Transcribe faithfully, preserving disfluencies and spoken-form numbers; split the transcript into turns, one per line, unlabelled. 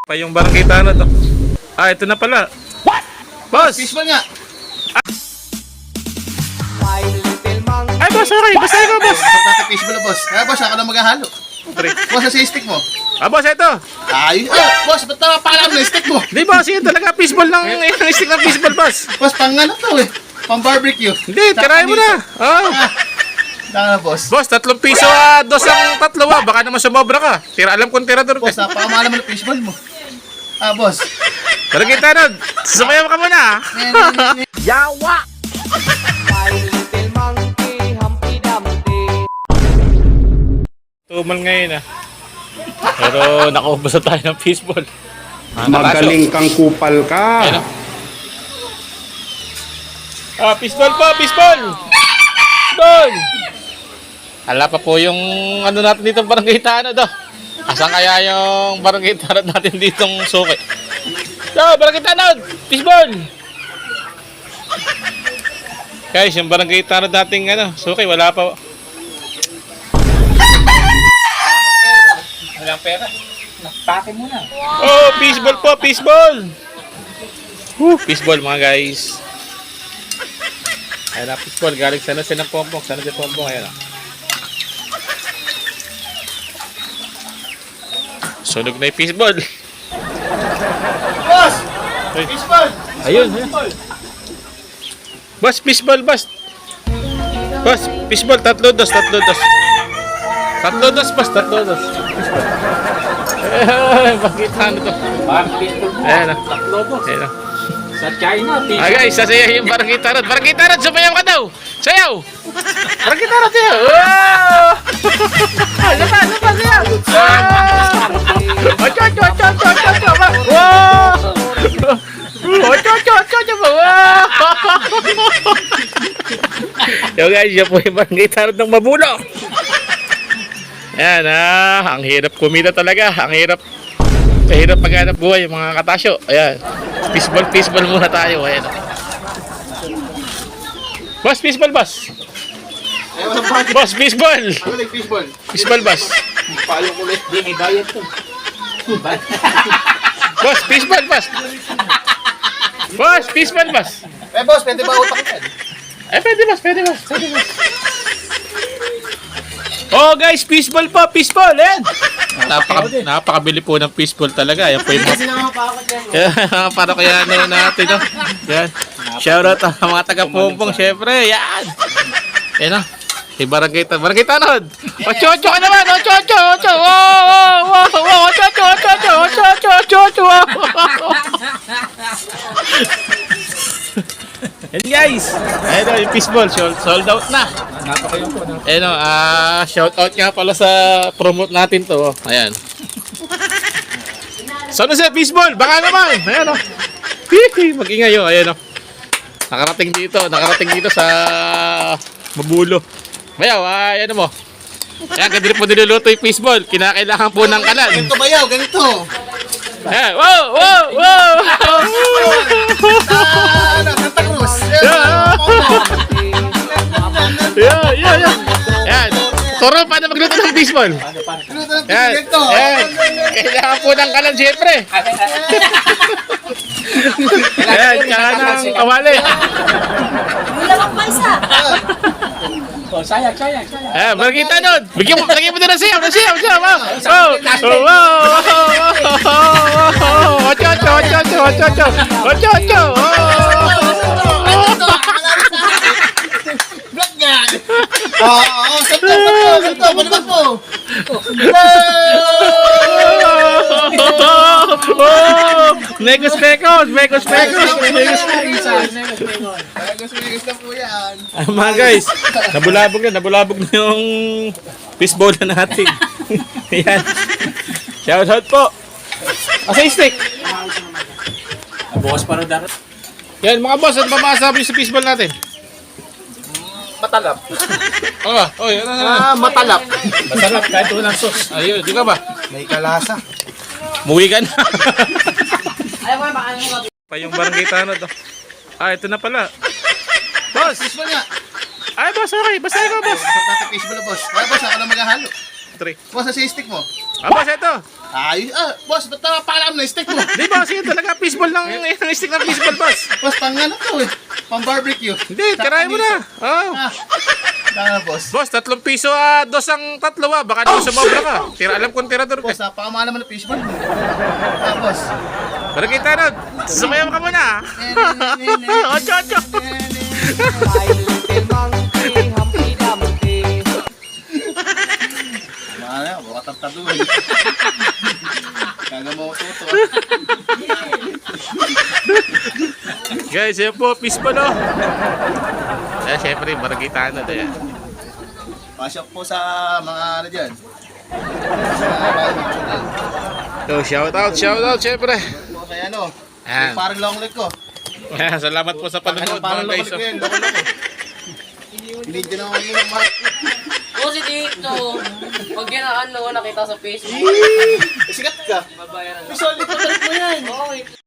Pa yung barangay tanod. Oh. Ah, ito na pala.
What?
Boss!
Fishball nga.
Ay, boss, okay. Basta ikaw, boss.
Sarap natin fishball, boss. Kaya, boss, ako na maghahalo.
Pre.
Boss, sa stick mo.
Ah, boss, ito.
Ay, oh, boss, ba't na pakalam na stick mo?
Hindi, boss. Yun talaga. Fishball ng yung stick ng fishball, boss.
Boss, pang ano to eh. Pang barbecue.
Hindi, tirahin mo na. Oh.
Ah, boss.
Boss, tatlong piso, ah, dos ang tatlo, ah. Baka naman sumobra ka. Tira, alam kong tirador ka.
Boss, napakamahal naman ng fishball mo. Ah, boss.
Barangay tanod. Sumayaw ka muna, ah.
Yawa!
Tumal ngayon, ah. Pero nakaubos na tayo ng fishball. Ah,
Magaling kang kupal ka.
Ayun, ah. Ah, fishball po, fishball! Fishball! Hala pa po yung ano natin dito barangay tanod, oh. Asan kaya yung barangay tanod natin ditong suki? So, barangay tanod! Fishball! Guys, yung barangay tanod nating ano, suki, wala pa. Walang pera. Nakpake mo na. Oh, fishball po, fishball! Woo, fishball mga guys. Ayan na, fishball. Galing sana siya ng pompong. Sana siya pompong. Ayan na. Sunog na yung fishball.
Boss!
Ay.
Fishball!
Ayun, ayun. Boss, fishball, boss. Boss, fishball. Tatlo dos, tatlo dos. Tatlo dos, boss. Tatlo dos. Fishball. Eh, bakit ano to? Ayan na.
Tatlo po.
Ayan na.
Sa China,
Ah guys, sasayaw yung barangay tarot. Barangay tarot, sumayaw ka daw. Sayaw. Barangay tarot, sayaw. Wow! Ano pa, ano pa, sayaw. Wow! Ocho, ocho, ocho, ocho, ocho, ocho. Wow! Ocho, ocho, ocho, ocho. Wow! Yo guys, yan po yung barangay tarot ng Mabulo. Yan ah, ang hirap kumita talaga. Ang hirap. Kahirap maghanap buhay yung mga katasyo. Ayan. Fishball, fishball muna tayo. Ayan. Boss, fishball, boss.
Ay, walang budget.
Boss, fishball.
Ano like fishball?
Fishball, boss.
Palo ko ulit.
Hindi, may bayad to.
Boss, fishball, boss. Boss, fishball, boss.
Eh, boss, pwede ba utak yan?
Eh, pwede, boss, pwede, boss. Pwede, boss. Oh, guys, fishball po, fishball. Ayan. Napaka, napakabili po ng fishball talaga. Ayan po yung
Kasi nakapakot yan.
yeah, para kaya ano natin, no? Yan. Shoutout sa mga taga-pumpong, syempre. Yan. Yan, no? Si Barangay Tanod. Barangay Tanod! Ocho, ocho ka naman! Ocho, ocho, ocho! Wow, wow, wow, wow! Ocho, ocho, ocho, ocho! Ocho, ocho, ocho, ocho! Yan, guys! Ayan, no, yung fishball. Sold, sold out na.
Napakayo po.
Ayan, no, ah, shoutout nga pala sa promote natin to. Oh. Ayan. Saan na siya, fishball? Baka naman! Ayan, no. Hihi, mag-ingay, oh. Ayan, no. Nakarating dito. Nakarating dito sa Mabulo. Bayaw, ah, ayan mo. Ayan, ganda rin po niluluto yung fishball. Kinakailangan po ng kalan.
Ganito ba yaw? Ganito.
Ayan, wow, wow, wow!
Ah, ano, Santa Cruz.
Yeah, yeah, yeah. Ayan. Toro, paano magluto ng fishball?
Ganito na
Ayan,
ganito.
ayan. Kailangan po ng kalan, siyempre. Ayan, tsaka ng kawali.
Dalawang pa isa.
Oh, sayang, sayang, sayang.
Ayan, Barangay Tanod. Bigyan mo, lagyan mo din ng siyaw, ng siyaw, siyaw. Wow, wow, wow, wow, wow. Ocho, ocho, ocho, ocho, ocho, ocho. Ocho, ocho.
Black yan. Oo, oo, santo, santo, santo. Balibag mo.
Negos pecos, negos pecos, negos
Megos, megos na po yan.
Ah, mga guys, nabulabog na, nabulabog na yung fishball na natin. Ayan. Shoutout po. Asa yung stick?
Bukas pa rin dapat.
Yan mga boss, ano ba masasabi sa fishball natin?
Matalap.
Oh, oh, yan na.
Ah, matalap.
Masarap kahit walang sauce.
Ayun, di ka ba?
May kalasa.
Muwi ka na.
Ayaw mo, baka ano
Pa yung barangay tanod. Oh. Ah, ito na pala. Boss!
Fishball nga.
Ay, boss, okay. Basta ikaw, boss.
Sarap natin fishball, boss. Kaya, boss, ako na maghahalo.
three.
Boss, sa stick mo.
Ah, boss, ito.
Ayos. Ah, boss, ba't napapaalam na yung stick mo?
Di, boss, yun talaga. Fishball lang. Yung stick ng fishball, boss.
Boss, pang ano to eh. Pang barbecue.
Hindi, tirahin mo na. Oh.
Ah, tama boss.
Boss, tatlong piso, ah, dos ang tatlo, ah. Baka di mo sumobra ka. Tira, alam kong tirador ka.
Boss, napakamahal naman ng fishball mo. Ah, boss.
Pero kita nun, sumayaw ka muna, ah. Ocho, ocho.
Mahal na, buka tatadun. Kaga mo tuto.
Guys, yun po, fishball, oh. Eh, syempre, barangay na doon, eh.
Pasok po sa mga ano dyan. Sa mga barbecue dyan.
So, shout out, shout out, syempre.
Po kay ano.
Ayan.
Yung parang long leg ko.
Salamat po sa panonood,
Parang
mga
long
guys.
leg ko yun. Loko loko. Hindi din naman mo ng mark.
O si Tito, pag yan ang ano, nakita sa Facebook,
Eh, sikat ka.
babayaran.
May solid ka